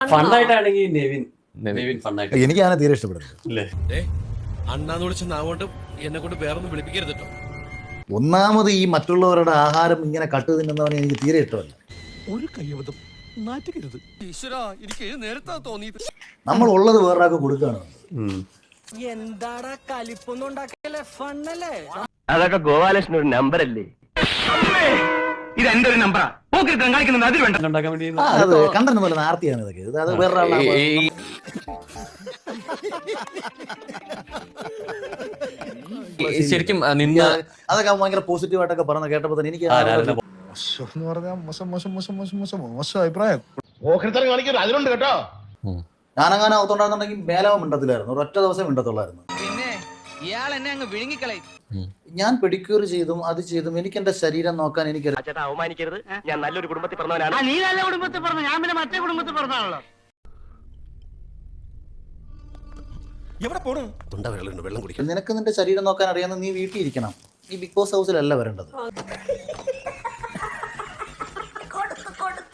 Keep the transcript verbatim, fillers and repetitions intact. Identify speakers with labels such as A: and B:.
A: ഫണ്ണായിട്ടാണെങ്കിൽ നെവിൻ നെവിൻ ഫണ്ണായിട്ട്
B: എനിക്ക് അങ്ങനെ തീരെ ഇഷ്ടപ്പെടുന്നത്.
C: അണ്ണാന്ന് വിളിച്ച അങ്ങോട്ട് എന്നെ കൊണ്ട് വേറൊന്നും വിളിപ്പിക്കരുത് കേട്ടോ.
B: ഒന്നാമത് ഈ മറ്റുള്ളവരുടെ ആഹാരം ഇങ്ങനെ കട്ട് തിന്നുന്നവനെ എനിക്ക് തീരെ ഇഷ്ടമല്ല.
C: ഒരു കയ്യബദ്ധം നാറ്റുകരുത്. ഈശ്വരാ, എനിക്ക് നേരത്തെ തോന്നിയത്.
B: നമ്മൾ ഉള്ളത് വേറൊരാൾക്ക് കൊടുക്കുകയാണ്.
D: എന്താടാ കലിപ്പൊന്നും ഉണ്ടാക്കല്ലേ, ഫണ്ണല്ലേ?
E: അതൊക്കെ ഗോപാലകൃഷ്ണൻ ഒരു നമ്പർ അല്ലേ? ഇത് എന്റെ ഒരു നമ്പറാ. കാണിക്കുന്നത് അതിൽ വേണ്ട
A: ഉണ്ടാക്കാൻ വേണ്ടി
B: അത് കണ്ടന്റ് പോലെ നാർത്തിയാണ് ഇതൊക്കെ. ഇത് അത് വേറൊരാളാണ്.
A: ശരിക്കും നിന്ന
B: അതൊക്കെ ഭയങ്കര പോസിറ്റീവ് ആയിട്ടൊക്കെ പറഞ്ഞ കേട്ടപ്പോ തന്നെ എനിക്ക്
F: എന്ന് പറഞ്ഞാൽ മോശം മോശം മോശം മോശം മോശം മോശം അഭിപ്രായം.
E: അതിലുണ്ട് കേട്ടോ.
B: ഞാനങ്ങനെ ഒത്തുണ്ടായിരുന്നുണ്ടെങ്കിൽ മേലാവ് മിണ്ടത്തില്ലായിരുന്നു. ഒരൊറ്റ ദിവസം മിണ്ടത്തുള്ളായിരുന്നു.
D: പിന്നെ ഇയാൾ എന്നെ അങ്ങ് വിഴുങ്ങിക്കളയും.
B: ഞാൻ പെഡിക്യൂർ ചെയ്തും അത് ചെയ്തും എനിക്ക് എന്റെ ശരീരം നോക്കാൻ എനിക്ക്
E: ചേട്ടാ അവമാനിക്കരുത്. ഞാൻ നല്ലൊരു കുടുംബത്തിൽ പറഞ്ഞവനാണ്. നീ നല്ല കുടുംബത്തിൽ പറഞ്ഞു, ഞാൻ പിന്നെ മറ്റേ കുടുംബത്തിൽ പറഞ്ഞാണല്ലോ.
B: നിനക്ക് നിന്റെ ശരീരം നോക്കാൻ അറിയാവുന്ന നീ വീട്ടിൽ ഇരിക്കണം. ഈ ബിഗ് ബോസ് ഹൗസിലല്ല വരേണ്ടത്.